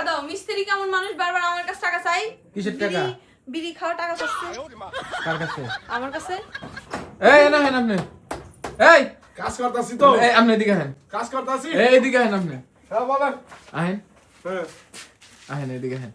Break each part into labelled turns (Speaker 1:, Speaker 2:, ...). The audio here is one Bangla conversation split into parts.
Speaker 1: টাকা দাও। মিস্ত্রি কেমন মানুষ বারবার আমার কাছে টাকা চাই।
Speaker 2: কিসের টাকা?
Speaker 1: বিড়ি খাওয়া টাকা চাচ্ছে।
Speaker 2: কার কাছে?
Speaker 1: আমার কাছে।
Speaker 2: এই না হেন আপনি। এই
Speaker 3: কাজ করতাছি তো।
Speaker 2: এই আপনি এদিকে হেন।
Speaker 3: কাজ করতাছি।
Speaker 2: এই এদিকে হেন আপনি।
Speaker 3: হ্যাঁ বলেন।
Speaker 2: আহেন
Speaker 3: হ্যাঁ
Speaker 2: আহেন এদিকে হেন।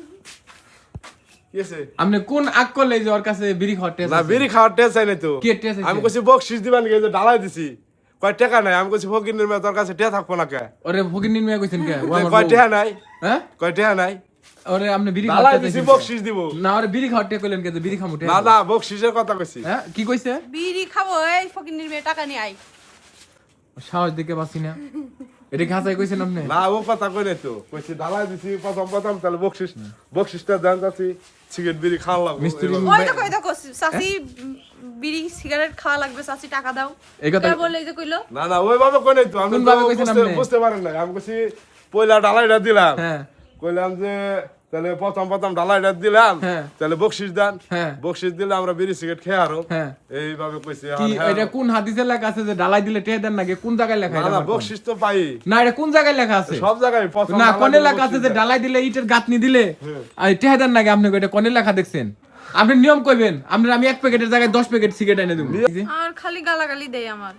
Speaker 3: কি আছে?
Speaker 2: আপনি কোন আকল এই যে ওর কাছে বিড়ি খাওয়ার টেস্ট?
Speaker 3: না বিড়ি খাওয়ার টেস্ট চাই না তো।
Speaker 2: কি টেস্ট আছে?
Speaker 3: আমি কইছি বকশিস দিবেন কি যে ঢালাই দিছি। কয় টাকা নাই আমি কইছি ফকিনের মেয়ে তোর কাছে টাকা থাকবো না কে?
Speaker 2: ওরে ফকির নিয়ে কইছেন কে? ও আমার
Speaker 3: কয়
Speaker 2: বউ।
Speaker 3: টাকা নাই?
Speaker 2: হ্যাঁ?
Speaker 3: কয় টাকা নাই?
Speaker 2: ওরে আপনি বিড়ি
Speaker 3: ঢালাই
Speaker 2: খাওয়ার
Speaker 3: দিছি
Speaker 2: টেস্ট
Speaker 3: বকশিস দিব।
Speaker 2: না ওরে বিড়ি খাওয়ার টেস্ট কইলেন কে যে বিড়ি খামু টেস্ট?
Speaker 3: না না বকশিসের কথা কইছি।
Speaker 2: হ্যাঁ কি কইছে?
Speaker 1: বিড়ি খাবো এই ফকিন্নির মেয়ে টাকা নিয়ে আই।
Speaker 2: সাহস দিকে পাচ্ছি না। এটা ঘাসাই কইছেন আপনি?
Speaker 3: না ও কথা কই নাই তো। কইছি ঢালাই দিছি প্রথম তাহলে বকশিসটা দেন যাচ্ছি সিগারেট বিড়ি খাওয়া লাগবে।
Speaker 2: মিস্ত্রি
Speaker 1: ওই দেখো চাচি বিড়ি সিগারেট খাওয়া লাগবে চাচি টাকা দাও।
Speaker 2: এই কথা
Speaker 1: কে বলে এই যে কইলো?
Speaker 3: না না ওইভাবে কই নাই তো। আমি
Speaker 2: কোন
Speaker 3: তো
Speaker 2: ভাবে কইছেন আপনি?
Speaker 3: বুঝতে পারেন না। আমি কইছি পয়লা ঢালাইটা দিলাম।
Speaker 2: হ্যাঁ
Speaker 3: কইলাম যে তাহলে প্রথম ঢালাইটা দিলাম
Speaker 2: হ্যাঁ।
Speaker 3: তাহলে বকশিস দেন।
Speaker 2: হ্যাঁ।
Speaker 3: বকশিস দিলে আমরা বিড়ি সিগারেট খেয়ে আরো
Speaker 2: হ্যাঁ।
Speaker 3: এইভাবে কইছি।
Speaker 2: কি
Speaker 3: হ্যাঁ।
Speaker 2: এটা কোন হাদিসে লেখা আছে যে ডালাই দিলে টেহে দেন নাকি? কোন জায়গায় লেখা
Speaker 3: না
Speaker 2: এটা?
Speaker 3: না
Speaker 2: আমার কোন?
Speaker 3: বকশিস তো পাই
Speaker 2: না এটা কোন জায়গায় লেখা আছে?
Speaker 3: সব জায়গায় প্রথম
Speaker 2: না
Speaker 3: ঢালাই
Speaker 2: কোনে
Speaker 3: দিলে
Speaker 2: লেখা আছে
Speaker 3: বকশিস
Speaker 2: যে
Speaker 3: দেন।
Speaker 2: ডালাই দিলে ইটের গাঁথনি দিলে আর টেহে দেন নাকি? আপনি এটা কোনে লেখা দেখছেন? আপনি নিয়ম কইবেন। আপনার আমি 1 প্যাকেটের জায়গায় 10 প্যাকেট সিগারেট এনে দেব।
Speaker 1: আর খালি গালাগালি দেয় আমার।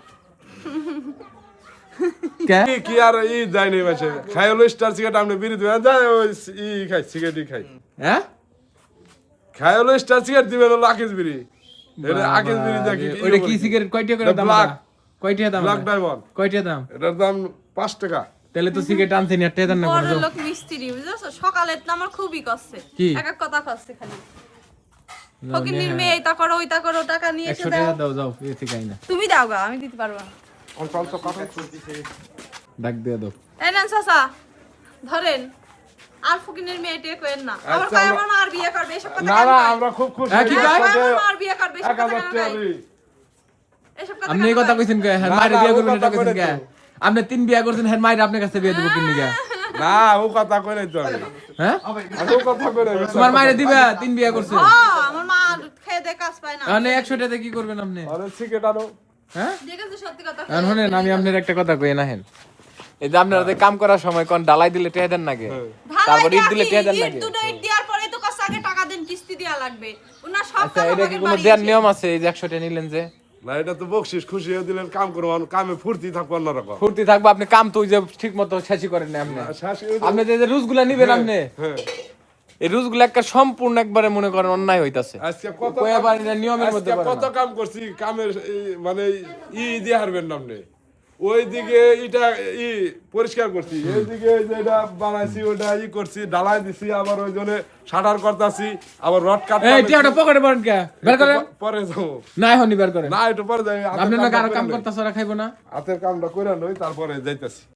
Speaker 2: কে?
Speaker 3: কি আর ই যায়নি মাসে খাই হলো স্টার সিগারেট আপনি বিড়ি দিবেন যায় ওই ই খাই সিগারেটই খাই
Speaker 2: হ্যাঁ?
Speaker 3: খাই হলো স্টার সিগারেট দিবেন হলো আকিস বিড়ি এটা আকিস বিড়ি দেখি
Speaker 2: ওইটা কি সিগারেট কয়টা করে দাম?
Speaker 3: ব্ল্যাক
Speaker 2: কয়টা দাম?
Speaker 3: ব্ল্যাক ডায়মন্ড
Speaker 2: কয়টা দাম?
Speaker 3: এটার দাম 5 টাকা
Speaker 2: তাহলে তো সিগারেট আনছেন আর টেহে দেন না
Speaker 1: বড়
Speaker 2: কোনো?
Speaker 1: লোক মিস্ত্রি বুঝছো? সকালে তো আমার খুবই কষ্টে।
Speaker 2: কি?
Speaker 1: এক এক কথা কষ্টে খালি। ফকিন্নির মেয়ে এইটা করো ওইটা করো টাকা নিয়ে এসে
Speaker 2: 100
Speaker 1: দাও।
Speaker 2: টাকা দাও যাও এ থেকে আইনা।
Speaker 1: তুমি দাও গা আমি দিতে পারবো না।
Speaker 3: অল্প কথা
Speaker 2: ডাক দিয়ে দাও।
Speaker 1: এই নেন চাচা ধরেন। আর ফকিন্নির মেয়ে টেক করেন না। আবার
Speaker 3: আচ্ছা,
Speaker 1: কয়
Speaker 3: আমরা-
Speaker 1: আমার মার বিয়ে করবে এসব কথা
Speaker 3: না
Speaker 1: কেন
Speaker 3: না
Speaker 1: কয়?
Speaker 3: আমরা খুব খুশি
Speaker 2: হ্যাঁ, কি কয়?
Speaker 1: আমার মার বিয়ে করবে এসব কথা
Speaker 3: 1000
Speaker 1: কেন
Speaker 3: টাকা
Speaker 1: কয়?
Speaker 3: দিই।
Speaker 1: এসব কথা
Speaker 2: আপনি এই
Speaker 1: কেন
Speaker 2: কথা
Speaker 1: কয়?
Speaker 2: কইছেন কে? হ্যাঁ
Speaker 3: না,
Speaker 2: মায়ের
Speaker 3: না,
Speaker 2: বিয়ে
Speaker 3: ও
Speaker 2: করবেন
Speaker 3: কথা
Speaker 2: এটা কইছেন
Speaker 3: কইলে
Speaker 2: কে?
Speaker 3: তো।
Speaker 2: আপনি 3 বিয়ে করছেন হ্যাঁ মায়ের আপনার কাছে বিয়ে দেব কিন্নি কে?
Speaker 3: না ও কথা কই নাই তো আমি
Speaker 2: হ্যাঁ?
Speaker 3: আমি ও কথা কই নাই
Speaker 2: তোমার মায়ের দিবা 3 বিয়ে করছেন।
Speaker 1: আমার মা খেয়ে দে কাজ পায় না।
Speaker 2: মানে 100 টাকা কি করবেন আপনি?
Speaker 3: আরে সিগারেট আনো
Speaker 2: হ্যাঁ?
Speaker 1: ঠিক আছে সত্যি কথা।
Speaker 2: এখন শুনেন আমি আপনার একটা কথা কই না হেন। এই যে আপনারা যে কাম করার সময় কোন ডালাই দিলে টেহে দেন নাকি? তারপর ইট দিলে টেহে দেন নাকি?
Speaker 1: দুটো ইট দেওয়ার পরে তো কাছে আগে টাকা দেন কিস্তি দেয়া লাগবে। ওনা সব
Speaker 2: আচ্ছা
Speaker 1: টাকা
Speaker 2: এটা কি
Speaker 1: আমাকে
Speaker 2: কোনো
Speaker 1: বাড়ি
Speaker 2: দেওয়ার
Speaker 1: এসে-
Speaker 2: নিয়ম আছে এই যে 100 টাকা নিলেন যে?
Speaker 3: না এটা তো বকশিস খুশি হয়ে দিলেন কাম করবো কামে ফুর্তি থাকবো অন্যরকম
Speaker 2: ফুর্তি থাকবে আপনি কাম তো ওই যে ঠিক মতো শেষই করেন না আপনি।
Speaker 3: শাশুড়ি
Speaker 2: আপনি যে রুজগুলা নিবেন আপনি
Speaker 3: হ্যাঁ
Speaker 2: এই রুজগুলা একটা সম্পূর্ণ একবারে মনে করেন অন্যায় হইতাছে।
Speaker 3: আজকে কত
Speaker 2: কই আবার এটা নিয়মের মধ্যে
Speaker 3: আজকে
Speaker 2: পড়ে
Speaker 3: কত
Speaker 2: না।
Speaker 3: কাম করছি কামের মানে ই দিয়ে হারবেন না আপনি ওইদিকে এটা ই পরিষ্কার করছি এইদিকে যেটা বানাইছি ওটা ই করছি ডালাই দিছি আবার ওই জন্য শাটার করতেছি আবার রড কাট
Speaker 2: এই টিয়াটা পকেটে পড়েন কে? বের করেন।
Speaker 3: পরে যাবো
Speaker 2: না এখনই বের করেন।
Speaker 3: না একটু পরে যাই
Speaker 2: আপনি না আরো কাম করতেছ ওরা খাইবো না?
Speaker 3: হাতের কামটা করে নই তারপরে যাইতেছি